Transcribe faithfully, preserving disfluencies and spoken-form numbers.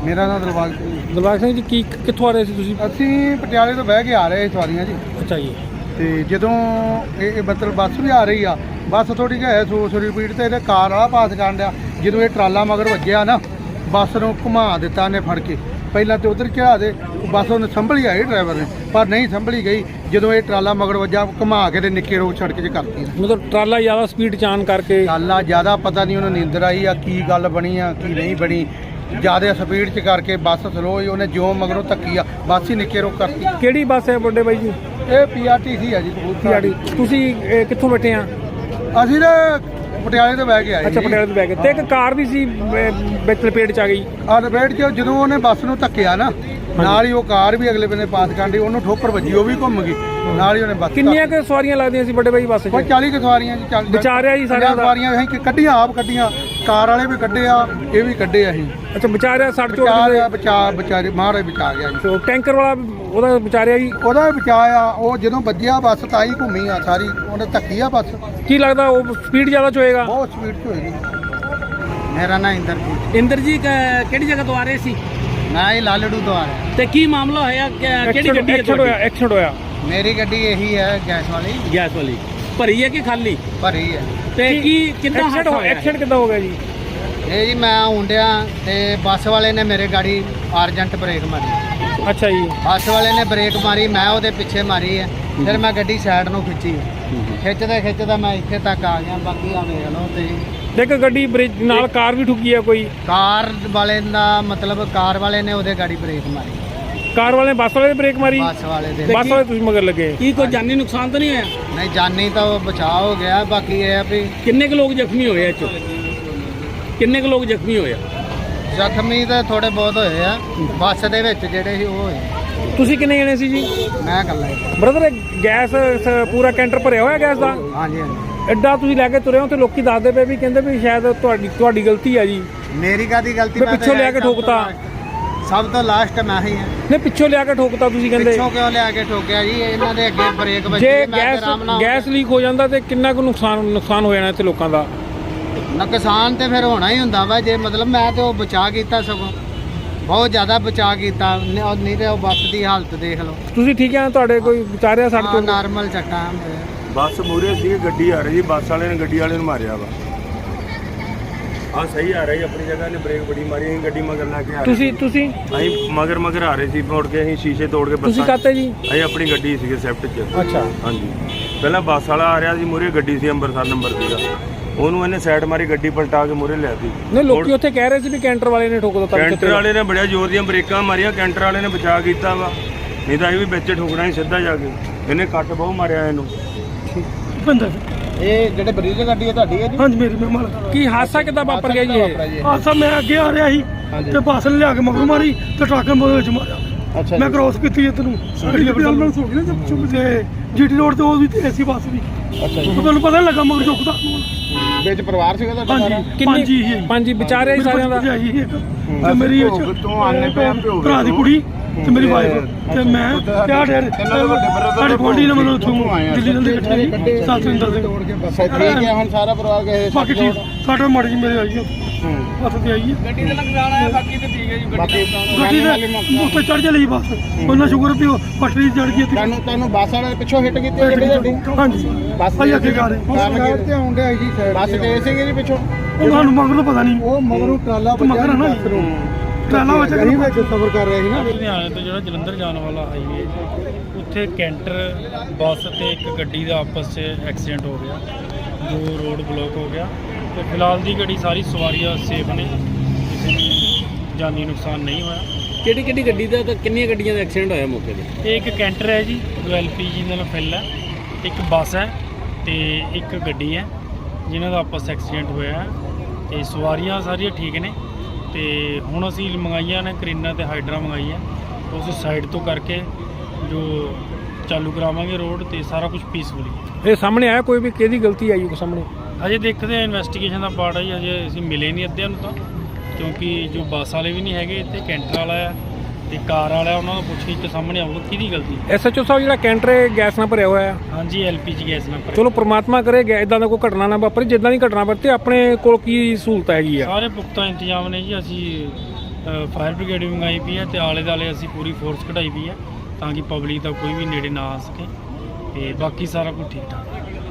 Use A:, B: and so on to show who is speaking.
A: ਮੇਰਾ ਨਾਮ ਦਿਲਬਾਗ
B: ਦਿਲਬਾਗ ਸਿੰਘ ਜੀ, ਕੀ ਕਿੱਥੋਂ ਆ ਰਹੇ ਸੀ ਤੁਸੀਂ?
A: ਅਸੀਂ ਪਟਿਆਲੇ ਤੋਂ ਬਹਿ ਕੇ ਆ ਰਹੇ ਸਵਾਰੀਆਂ ਜੀ।
B: ਅੱਛਾ ਜੀ।
A: ਤੇ ਜਦੋਂ ਇਹ ਮਤਲਬ ਬੱਸ ਵੀ ਆ ਰਹੀ ਆ, ਬੱਸ ਥੋੜੀ ਜਿਹੀ ਹੈ ਸੌ ਸੌ ਰਿਪੀਟ ਤੇ ਇਹਦੇ ਕਾਰ ਵਾਲਾ ਪਾਸ ਕਰਨ ਡਿਆ। ਜਦੋਂ ਇਹ ਟਰਾਲਾ ਮਗਰ ਵੱਜਿਆ ਨਾ, ਬੱਸ ਨੂੰ ਘੁਮਾ ਦਿੱਤਾ ਨੇ ਫੜ ਕੇ। ਪਹਿਲਾਂ ਤੇ ਉਧਰ ਚੜਾ ਦੇ, ਬੱਸ ਉਹਨੇ ਸੰਭਲੀ ਆਈ ਡਰਾਈਵਰ ਨੇ, ਪਰ ਨਹੀਂ ਸੰਭਲੀ ਗਈ। ਜਦੋਂ ਇਹ ਟਰਾਲਾ ਮਗਰ ਵੱਜਾ, ਘੁਮਾ ਕੇ ਤੇ ਨਿੱਕੇ ਰੋਡ ਸੜਕ 'ਚ ਕਰਤੀ।
B: ਮਤਲਬ ਟਰਾਲਾ ਜ਼ਿਆਦਾ ਸਪੀਡ ਚਾਨ ਕਰਕੇ?
A: ਟਰਾਲਾ ਜ਼ਿਆਦਾ ਪਤਾ ਨਹੀਂ ਉਹਨੂੰ ਨੀਂਦਰ ਆਈ ਆ, ਕੀ ਗੱਲ ਬਣੀ ਆ ਕੀ ਨਹੀਂ ਬਣੀ। ਜ਼ਿਆਦਾ ਸਪੀਡ 'ਚ ਕਰਕੇ ਬੱਸ ਸਲੋ ਹੀ, ਉਹਨੇ ਜੋ ਮਗਰੋਂ ਧੱਕੀ ਆ, ਬੱਸ ਹੀ ਨਿੱਕੇ ਰੋਕ ਕਰਤੀ।
B: ਕਿਹੜੀ ਬੱਸ ਹੈ ਵੱਡੇ ਬਾਈ ਜੀ?
A: ਇਹ ਪੀ ਆਰ ਟੀ ਸੀ ਆ ਜੀ, ਕਬੂਤਰ।
B: ਤੁਸੀਂ ਇਹ ਕਿੱਥੋਂ ਬੈਠੇ ਆ?
A: ਅਸੀਂ ਨਾ ਪਟਿਆਲੇ ਤੋਂ ਬਹਿ ਕੇ ਆਏ।
B: ਅੱਛਾ, ਪਟਿਆਲੇ ਤੋਂ ਬਹਿ ਕੇ। ਤੇ ਇੱਕ ਕਾਰ ਵੀ ਸੀ ਵਿੱਚ ਲਪੇਟ 'ਚ ਆ ਗਈ।
A: ਆ ਲਪੇਟ 'ਚ ਜਦੋਂ ਉਹਨੇ ਬੱਸ ਨੂੰ ਧੱਕਿਆ ਨਾ, ਨਾਲ ਹੀ ਉਹ ਕਾਰ ਵੀ ਅਗਲੇ ਬੰਨੇ ਪਾਸ ਕਰਨ ਡਈ, ਉਹਨੂੰ ਠੋਕਰ ਵੱਜੀ, ਉਹ ਵੀ ਘੁੰਮ ਗਈ। ਨਾਲ ਹੀ ਉਹਨੇ ਬੱਸ।
B: ਕਿੰਨੀਆਂ ਕੁ ਸਵਾਰੀਆਂ ਲੱਗਦੀਆਂ ਸੀ ਵੱਡੇ ਬਾਈ ਬੱਸ 'ਚ?
A: ਕੋਈ ਚਾਲੀ ਕੁ ਸਵਾਰੀਆਂ ਜੀ। ਚਾਲੀ
B: ਵਿਚਾਰਿਆ ਜੀ ਸਾਰਿਆਂ ਦਾ?
A: ਸਵਾਰੀਆਂ ਅਸੀਂ ਕੱਢੀਆਂ, ਆਪ ਕੱਢੀਆਂ, ਕਾਰ ਵਾਲੇ ਵੀ ਕੱਢੇ ਆ, ਇਹ ਵੀ ਕੱਢੇ ਅਸੀਂ।
B: ਅੱਛਾ, ਵਿਚਾਰਿਆ ਸੱਟ ਚੋਟ?
A: ਵਿਚਾਰਿਆ ਬਚਾ ਵਿਚਾਰੇ ਮਹਾਰਾਜ ਬਚਾ ਗਿਆ ਜੀ।
B: ਟੈਂਕਰ ਵਾਲਾ ਉਹਦਾ ਵਿਚਾਰਿਆ ਜੀ?
A: ਉਹਦਾ ਵੀ ਬਚਾਇਆ। ਉਹ ਜਦੋਂ ਵੱਜਿਆ ਬੱਸ ਤਾਂ ਹੀ ਘੁੰਮੀ ਆ ਸਾਰੀ, ਉਹਨੇ ਧੱਕੀ ਆ ਬੱਸ।
B: ਕੀ ਲੱਗਦਾ ਉਹ ਸਪੀਡ ਜ਼ਿਆਦਾ ਚ ਹੋਏਗਾ?
A: ਬਹੁਤ ਸਪੀਡ 'ਚ ਹੋਏਗੀ। ਮੇਰਾ ਨਾਂ ਇੰਦਰਜੀਤ।
C: ਇੰਦਰ ਜੀ ਕਿਹੜੀ ਜਗ੍ਹਾ ਤੋਂ ਆ ਰਹੇ ਸੀ?
A: ਮੈਂ ਹੀ ਲਾਲੜੂ ਤੋਂ ਆ ਰਿਹਾ।
C: ਤੇ ਕੀ ਮਾਮਲਾ ਹੋਇਆ? ਕਿਹੜੀ ਗੱਡੀ
B: ਐਕਸੀਡੈਂਟ ਹੋਇਆ? ਐਕਸੀਡੈਂਟ ਹੋਇਆ?
A: ਮੇਰੀ ਗੱਡੀ ਇਹੀ ਹੈ, ਗੈਸ ਵਾਲੀ।
C: ਗੈਸ ਵਾਲੀ ਭਰੀ ਹੈ ਕਿ ਖਾਲੀ?
A: ਭਰੀ ਹੈ।
C: ਤੇ ਕੀ ਕਿੱਦਾਂ
B: ਐਕਸੀਡੈਂਟ ਹੋਇਆ? ਐਕਸੀਡੈਂਟ ਕਿੱਦਾਂ ਹੋ ਗਿਆ ਜੀ?
A: ਇਹ ਜੀ ਮੈਂ ਹੁੰਡਿਆ ਤੇ ਬੱਸ ਵਾਲੇ ਨੇ ਮੇਰੇ ਗਾੜੀ ਅਰਜੈਂਟ ਬ੍ਰੇਕ ਮਾਰੀ।
B: ਅੱਛਾ ਜੀ।
A: ਬੱਸ ਵਾਲੇ ਨੇ ਬ੍ਰੇਕ ਮਾਰੀ, ਮੈਂ ਉਹਦੇ ਪਿੱਛੇ ਮਾਰੀ ਹੈ। ਫਿਰ ਮੈਂ ਗੱਡੀ ਸਾਈਡ ਨੂੰ ਖਿੱਚੀ, ਖਿੱਚਦਾ ਖਿੱਚਦਾ ਮੈਂ ਇੱਥੇ ਤੱਕ ਆ ਗਿਆ। ਬਾਕੀ ਆ ਵੇਖ ਲਓ ਤੁਸੀਂ।
B: ਦੇਖ ਗੱਡੀ ਬ੍ਰੇਕ ਨਾਲ ਕਾਰ ਵੀ ਠੁੱਕੀ ਆ ਕੋਈ?
A: ਕਾਰ ਵਾਲੇ ਦਾ ਮਤਲਬ ਕਾਰ ਵਾਲੇ ਨੇ ਉਹਦੇ ਗਾੜੀ ਬ੍ਰੇਕ ਮਾਰੀ।
B: ਕਾਰ ਵਾਲੇ ਨੇ ਬੱਸ ਵਾਲੇ ਨੇ ਬ੍ਰੇਕ ਮਾਰੀ?
A: ਬੱਸ ਵਾਲੇ ਦੇ।
B: ਬੱਸ ਵਾਲੇ ਤੁਸੀਂ ਮਗਰ ਲੱਗੇ?
C: ਕੀ ਕੋਈ ਜਾਨੀ ਨੁਕਸਾਨ ਤਾਂ ਨਹੀਂ ਹੋਇਆ?
A: ਨਹੀਂ, ਜਾਨੀ ਤਾਂ ਉਹ ਬਚਾਅ ਹੋ ਗਿਆ। ਬਾਕੀ ਇਹ ਆ ਵੀ
C: ਕਿੰਨੇ ਕੁ ਲੋਕ ਜ਼ਖਮੀ ਹੋਏ? ਇਹ 'ਚੋਂ ਕਿੰਨੇ ਕੁ ਲੋਕ ਜ਼ਖਮੀ ਹੋਏ?
A: ਜ਼ਖਮੀ ਤਾਂ ਥੋੜੇ ਬਹੁਤ ਹੋਏ ਆ, ਬੱਸ ਦੇ ਵਿੱਚ ਜਿਹੜੇ ਸੀ ਉਹ ਹੋਏ।
B: ਤੁਸੀਂ ਕਿੰਨੇ ਜਣੇ ਸੀ ਜੀ?
A: ਮੈਂ ਇਕੱਲਾ ਹੀ।
B: ਬ੍ਰਦਰ, ਗੈਸ ਸ- ਪੂਰਾ ਕੈਂਟਰ ਭਰਿਆ ਹੋਇਆ ਗੈਸ ਦਾ?
A: ਹਾਂਜੀ ਹਾਂਜੀ।
B: ਐਡਾ ਤੁਸੀਂ ਲੈ ਕੇ ਤੁਰੇ ਹੋ ਤੇ ਲੋਕੀ ਦੱਸਦੇ ਪਏ ਵੀ ਕਹਿੰਦੇ ਵੀ ਸ਼ਾਇਦ ਤੁਹਾਡੀ ਤੁਹਾਡੀ ਗਲਤੀ ਹੈ ਜੀ।
A: ਮੇਰੀ ਕਾਹਦੀ ਗਲਤੀ?
B: ਮੈਂ ਪਿੱਛੋਂ ਲਿਆ ਕੇ ਠੋਕਤਾ।
A: ਸਭ ਤੋਂ ਲਾਸਟ ਮੈਂ ਹੀ ਹਾਂ।
B: ਨਹੀਂ, ਪਿੱਛੋਂ ਲਿਆ ਕੇ ਠੋਕਤਾ ਤੁਸੀਂ ਕਹਿੰਦੇ?
A: ਪਿੱਛੋਂ ਕਿਉਂ ਲਿਆ ਕੇ ਠੋਕਿਆ ਜੀ? ਇਹਨਾਂ ਦੇ ਅੱਗੇ ਬ੍ਰੇਕ ਵੱਜੀ।
B: ਜੇ
A: ਮੈਂ
B: ਗੈਸ
A: ਆਰਾਮ ਨਾਲ
B: ਗੈਸ ਲੀਕ ਹੋ ਜਾਂਦਾ ਤੇ ਕਿੰਨਾ ਕੁ ਨੁਕਸਾਨ ਨੁਕਸਾਨ ਹੋ ਜਾਣਾ ਇੱਥੇ ਲੋਕਾਂ ਦਾ?
A: ਨੁਕਸਾਨ ਤੇ ਫਿਰ ਹੋਣਾ ਹੀ ਹੁੰਦਾ ਵਾ। ਜੇ ਮਤਲਬ ਮੈਂ ਤੇ ਉਹ ਬਚਾ ਕੀਤਾ, ਸਗੋਂ ਬਹੁਤ ਜ਼ਿਆਦਾ ਬਚਾ ਕੀਤਾ। ਨਹੀਂ ਤੇ ਉਹ ਬੱਸ ਦੀ ਹਾਲਤ ਦੇਖ ਲਓ।
B: ਤੁਸੀਂ ਠੀਕ ਆ? ਤੁਹਾਡੇ ਕੋਈ ਵਿਚਾਰਿਆ ਸੱਟ
A: ਹਾਂ,
B: ਚੋਟ?
A: ਨਾਰਮਲ ਚੱਟਾ ਮੇਰੇ।
D: ਬੱਸ ਮੂਹਰੇ ਸੀ, ਗੱਡੀ ਆ ਰਹੀ ਸੀ, ਬੱਸ ਵਾਲੇ ਨੇ ਗੱਡੀ ਵਾਲੇ ਨੂੰ ਮਾਰਿਆ ਵਾ। ਆ ਸਹੀ ਆ ਰਹੀ ਆਪਣੀ ਜਗ੍ਹਾ ਨੇ, ਬ੍ਰੇਕ ਬੜੀ ਮਾਰੀ। ਅਸੀਂ ਗੱਡੀ ਮਗਰ ਲੈ ਕੇ ਆ ਰਹੇ
B: ਤੁਸੀਂ ਤੁਸੀਂ
D: ਅਸੀਂ ਮਗਰ ਮਗਰ ਆ ਰਹੇ ਸੀ, ਮੁੜ ਕੇ ਅਸੀਂ ਸ਼ੀਸ਼ੇ ਤੋੜ ਕੇ
B: ਤੁਸੀਂ ਕਾਤੇ ਜੀ?
D: ਅਸੀਂ ਆਪਣੀ ਗੱਡੀ ਸੀਗੇ ਸਵਿਫਟ 'ਚ।
B: ਅੱਛਾ।
D: ਹਾਂਜੀ, ਪਹਿਲਾਂ ਬੱਸ ਵਾਲਾ ਆ ਰਿਹਾ ਸੀ, ਮੂਹਰੇ ਗੱਡੀ ਸੀ, ਅੰਮ੍ਰਿਤਸਰ ਨੰਬਰ ਸੀਗਾ। ਉਹਨੂੰ ਇਹਨੇ ਸਾਈਡ ਮਾਰੀ, ਗੱਡੀ ਪਲਟਾ ਕੇ ਮੂਹਰੇ ਲਿਆਤੀ।
B: ਨਹੀਂ, ਲੋਕੀ ਉੱਥੇ ਕਹਿ ਰਹੇ ਸੀ ਵੀ ਕੈਂਟਰ ਵਾਲੇ ਨੇ ਠੋਕ ਦਿੱਤਾ।
D: ਕੈਂਟਰ ਵਾਲੇ ਨੇ ਬੜਿਆ ਜ਼ੋਰ ਦੀਆਂ ਬ੍ਰੇਕਾਂ ਮਾਰੀਆਂ, ਕੈਂਟਰ ਵਾਲੇ ਨੇ ਬਚਾ ਕੀਤਾ ਵਾ। ਨਹੀਂ ਤਾਂ ਇਹ ਵੀ ਵਿੱਚ ਠੋਕਣਾ ਸੀ ਸਿੱਧਾ ਜਾ ਕੇ। ਇਹਨੇ ਕੱਟ ਬਹੁਤ ਮਾਰਿਆ ਇਹਨੂੰ।
A: ਇਹ ਜਿਹੜੇ ਬਰੀਜ ਗੱਡੀ ਹੈ ਤੁਹਾਡੀ ਹੈ ਜੀ?
E: ਹਾਂਜੀ, ਮੇਰੀ ਮੈਂ ਮਾਲਕ।
B: ਕੀ ਹਾਦਸਾ ਕਿੱਦਾਂ ਵਾਪਰ ਗਿਆ ਜੀ ਇਹ?
E: ਹਾਦਸਾ ਮੈਂ ਅੱਗੇ ਆ ਰਿਹਾ ਸੀ ਤੇ ਬੱਸ ਨੇ ਲਿਆ ਕੇ ਮਗਰ ਮਾਰੀ ਤੇ ਟਰੱਕ ਨੇ ਉਹਦੇ ਵਿੱਚ ਮਾਰਿਆ।
A: ਅੱਛਾ।
E: ਮੈਂ ਕ੍ਰੋਸ ਕੀਤੀ ਇੱਧਰ ਨੂੰ, ਗੱਡੀ ਐਂਬੂਲੈਂਸ ਹੋ ਗਈ ਨਾ ਚੁੱਪ ਤੇ ਜੀਟੀ ਰੋਡ ਤੇ ਉਹ ਵੀ ਤੇ ਐਸੀ ਬੱਸ ਵੀ।
A: ਅੱਛਾ ਜੀ।
E: ਤੁਹਾਨੂੰ ਪਤਾ ਨੀ ਲੱਗਾ ਮਗਰ ਚੁੱਕਦਾ।
A: ਵਿੱਚ ਪਰਿਵਾਰ ਸੀਗਾ ਤੁਹਾਡਾ?
E: ਹਾਂਜੀ, ਪੰਜ ਹੀ ਸੀ।
B: ਪੰਜ ਹੀ ਵਿਚਾਰੇ ਸਾਰਿਆਂ ਦਾ?
E: ਤੇ ਮੇਰੀ ਭਰਾ ਦੀ ਕੁੜੀ ਤੇ ਮੇਰੀ ਵਾਈਫ ਤੇ ਮੈਂ ਤੇ ਆ ਡੇਰ ਸਾਡੇ ਗੁਆਂਢੀ ਨੇ ਮੈਨੂੰ ਉੱਥੋਂ ਦਿੱਲੀ ਨਾਲ ਇਕੱਠੇ ਸਤਿੰਦਰ ਸਿੰਘ।
A: ਠੀਕ ਹੈ, ਹੁਣ ਸਾਰਾ ਪਰਿਵਾਰ ਗਏ?
E: ਬਾਕੀ ਠੀਕ ਸਾਡੇ ਮਾੜੀ ਜੀ ਮੇਰੇ ਆਈ ਹੈ, ਬੱਸ ਤੇ ਆਈ ਹੈ।
C: ਗੱਡੀ ਦਾ ਨੁਕਸਾਨ ਆਇਆ, ਬਾਕੀ ਤੇ ਠੀਕ ਹੈ ਜੀ।
A: ਬਾਕੀ
E: ਗੱਡੀ ਦੇ ਉੱਤੇ ਚੜ ਚਲੀ ਬੱਸ, ਉਹਨਾਂ ਸ਼ੁਕਰ ਵੀ ਉਹ ਪਟੜੀ ਚੜ ਗਈ।
A: ਤੁਹਾਨੂੰ ਤੁਹਾਨੂੰ ਬੱਸ ਵਾਲੇ ਪਿੱਛੋਂ ਹਿੱਟ ਕੀਤੀ ਗੱਡੀ ਤੁਹਾਡੀ?
E: ਹਾਂਜੀ,
A: ਬੱਸ
E: ਆਈ ਅੱਗੇ ਗਾ ਰਹੇ
A: ਤੇ ਆਉਂਦੇ ਜੀ, ਬੱਸ ਤੇ ਸੀਗੇ ਜੀ ਪਿੱਛੋਂ?
E: ਉਹਨਾਂ ਨੂੰ ਮਗਰੋਂ ਪਤਾ ਨਹੀਂ,
A: ਉਹ ਮਗਰੋਂ ਟਰਾਲਾ
E: ਮਗਰ ਹੈ ਨਾ ਟਰਾਲਾ ਵਿੱਚ
A: ਨਹੀਂ ਵਿੱਚ ਸਫ਼ਰ ਕਰ ਰਿਹਾ ਸੀ ਨਾ।
F: ਲੁਧਿਆਣੇ ਤੋਂ ਜਿਹੜਾ ਜਲੰਧਰ ਜਾਣ ਵਾਲਾ ਹਾਈਵੇ, ਉੱਥੇ ਕੈਂਟਰ ਬੱਸ ਤੇ ਇੱਕ ਗੱਡੀ ਦਾ ਆਪਸ 'ਚ ਐਕਸੀਡੈਂਟ ਹੋ ਗਿਆ, ਜੋ ਰੋਡ ਬਲੌਕ ਹੋ ਗਿਆ। ਤੇ ਫਿਲਹਾਲ ਦੀ ਗੱਡੀ ਸਾਰੀ ਸਵਾਰੀਆਂ ਸੇਫ ਨੇ, ਕਿਸੇ ਨੂੰ ਜਾਨੀ ਨੁਕਸਾਨ ਨਹੀਂ ਹੋਇਆ।
C: ਕਿਹੜੀ ਕਿਹੜੀ ਗੱਡੀ ਦਾ ਤੇ ਕਿੰਨੀਆਂ ਗੱਡੀਆਂ ਦਾ ਐਕਸੀਡੈਂਟ ਹੋਇਆ ਮੌਕੇ ਤੇ?
F: ਇਹ ਇੱਕ ਕੈਂਟਰ ਹੈ ਜੀ, ਜੋ ਐਲ ਪੀ ਜੀ ਨਾਲ ਫਿਲ ਹੈ, ਇੱਕ ਬੱਸ ਹੈ ਤੇ ਇੱਕ ਗੱਡੀ ਹੈ ਜਿਨ੍ਹਾਂ ਦਾ ਆਪਸ ਐਕਸੀਡੈਂਟ ਹੋਇਆ ਹੈ। ਤੇ ਸਵਾਰੀਆਂ ਸਾਰੀਆਂ ਠੀਕ ਨੇ। ਤੇ ਹੁਣ ਅਸੀਂ ਮੰਗਾਈਆਂ ਨੇ ਕਰੀਨਾ ਤੇ ਹਾਈਡਰਾ ਮੰਗਾਈ ਹੈ, ਉਸ ਸਾਈਡ ਤੋਂ ਕਰਕੇ ਜੋ ਚਾਲੂ ਕਰਾਵਾਂਗੇ ਰੋਡ ਤੇ ਸਾਰਾ ਕੁਝ ਪੀਸਫੁਲੀ।
B: ਇਹ ਸਾਹਮਣੇ ਆਇਆ ਕੋਈ ਵੀ ਕਿਹਦੀ ਗਲਤੀ ਆਈ ਕੋਈ ਸਾਹਮਣੇ?
F: ਅਜੇ ਦੇਖਦੇ ਆ, ਇਨਵੈਸਟੀਗੇਸ਼ਨ ਦਾ ਪਾਰਟ ਹੈ ਜੀ, ਅਜੇ ਅਸੀਂ ਮਿਲੇ ਨਹੀਂ ਅੱਧਿਆਂ ਨੂੰ ਤਾਂ, ਕਿਉਂਕਿ ਜੋ ਬੱਸ ਵਾਲੇ ਵੀ ਨਹੀਂ ਹੈਗੇ ਇੱਥੇ, ਕੈਂਟਰ ਵਾਲਾ ਆ ਤੇ ਕਾਰ ਵਾਲਾ, ਉਹਨਾਂ ਨੂੰ ਪੁੱਛ ਕੇ ਸਾਹਮਣੇ ਆਊਗਾ ਕਿਹਦੀ ਗਲਤੀ।
B: ਐਸ ਐਚ ਓ ਸਾਹਿਬ, ਜਿਹੜਾ ਕੈਂਟਰ ਹੈ ਗੈਸ ਨਾਲ ਭਰਿਆ ਹੋਇਆ?
F: ਹਾਂਜੀ, ਐਲ ਪੀ ਜੀ ਗੈਸ ਨਾਲ।
B: ਚਲੋ ਪ੍ਰਮਾਤਮਾ ਕਰੇ ਇਦਾਂ ਦਾ ਕੋਈ ਘਟਨਾ ਨਾ ਵਾਪਰੇ। ਜਿੱਦਾਂ ਦੀ ਘਟਨਾ ਵਾਪਰੇ ਆਪਣੇ ਕੋਲ ਕੀ ਸਹੂਲਤ ਹੈਗੀ ਆ?
F: ਸਾਰੇ ਪੁਖਤਾ ਇੰਤਜ਼ਾਮ ਨੇ ਜੀ, ਅਸੀਂ ਫਾਇਰ ਬ੍ਰਿਗੇਡ ਵੀ ਮੰਗਾਈ ਪਈ ਹੈ ਤੇ ਆਲੇ ਦੁਆਲੇ ਅਸੀਂ ਪੂਰੀ ਫੋਰਸ ਕਢਾਈ ਪਈ ਹੈ ਤਾਂ ਕਿ ਪਬਲਿਕ ਦਾ ਕੋਈ ਵੀ ਨੇੜੇ ਨਾ ਆ ਸਕੇ ਤੇ ਬਾਕੀ ਸਾਰਾ ਕੁਝ ਠੀਕ ਠਾਕ ਹੈ।